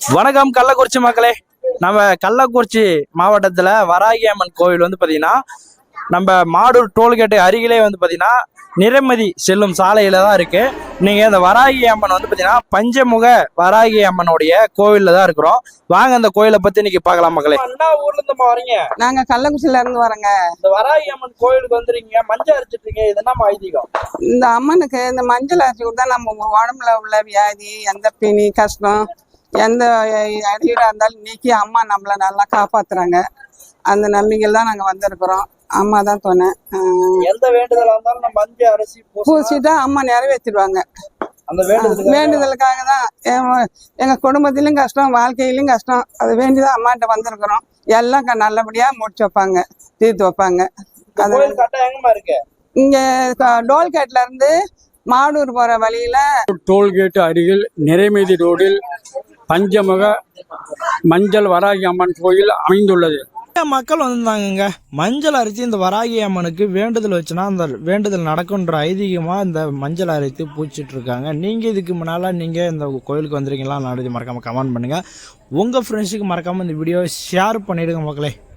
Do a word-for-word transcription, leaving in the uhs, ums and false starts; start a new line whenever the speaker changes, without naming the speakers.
வணக்கம் கள்ளக்குறிச்சி மக்களே. நம்ம கள்ளக்குறிச்சி மாவட்டத்துல வராகி அம்மன் கோவில் வந்து பாத்தீங்கன்னா நம்ம மாடூர் டோல்கேட்டு அருகிலே வந்து பாத்தீங்கன்னா நிறைமதி செல்லும் சாலையில தான் இருக்கு. நீங்க இந்த வராகி அம்மன் வந்து பாத்தீங்கன்னா பஞ்சமுக வராகி அம்மனுடைய கோவில்ல தான் இருக்கிறோம். வாங்க அந்த கோயிலை பத்தி இன்னைக்கு பார்க்கலாம் மக்களே. என்ன ஊர்ல இருந்து வரீங்க?
நாங்க கள்ளக்குறிச்சியில இருந்து வரோங்க.
இந்த வராகி அம்மன் கோயிலுக்கு வந்துருக்கீங்க, மஞ்சள் அரைச்சிட்டு இது என்ன ஐதீகம்?
இந்த அம்மனுக்கு இந்த மஞ்சள் அரைச்சி கொடுத்தா நம்ம உடம்புல உள்ள வியாதி, எந்த பிணி கஷ்டம், எந்த அடியீடா இருந்தாலும் நீக்கி அம்மா நம்மள நல்லா காப்பாத்துறாங்க. அந்த நம்பிக்கையில் தான் நாங்க வந்திருக்கிறோம். அம்மா தான் துணை.
எந்த வேண்டுதலா இருந்தாலும் நம்ம மஞ்சள் அரைச்சி
பூசிட்டா அம்மா நிறைவேற்றிடுவாங்க.
அந்த
வேண்டுதலுக்காக தான் எங்க குடும்பத்திலும் கஷ்டம், வாழ்க்கையிலும் கஷ்டம். அது வேண்டிதான் அம்மாட்ட வந்திருக்கிறோம். எல்லாம் நல்லபடியா முடிச்சு வைப்பாங்க, தீர்த்து வைப்பாங்க. இங்க டோல்கேட்ல இருந்து மாடூர் போற வழியில
டோல்கேட் அருகில் நிறைமதி ரோடில் பஞ்சமுக மஞ்சள் வராகி அம்மன் கோயில் அமைந்துள்ளது.
மக்கள் வந்திருந்தாங்க. மஞ்சள் அரைச்சி இந்த வராகி அம்மனுக்கு வேண்டுதல் வச்சுன்னா அந்த வேண்டுதல் நடக்குன்ற ஐதீகமா இந்த மஞ்சள் அரைத்து பூச்சிட்டு இருக்காங்க. நீங்க இதுக்கு முன்னால நீங்க இந்த கோயிலுக்கு வந்துருக்கீங்களா? நாடு மறக்காம கமெண்ட் பண்ணுங்க. உங்க ஃப்ரெண்ட்ஸுக்கு மறக்காம இந்த வீடியோ ஷேர் பண்ணிடுங்க மக்களே.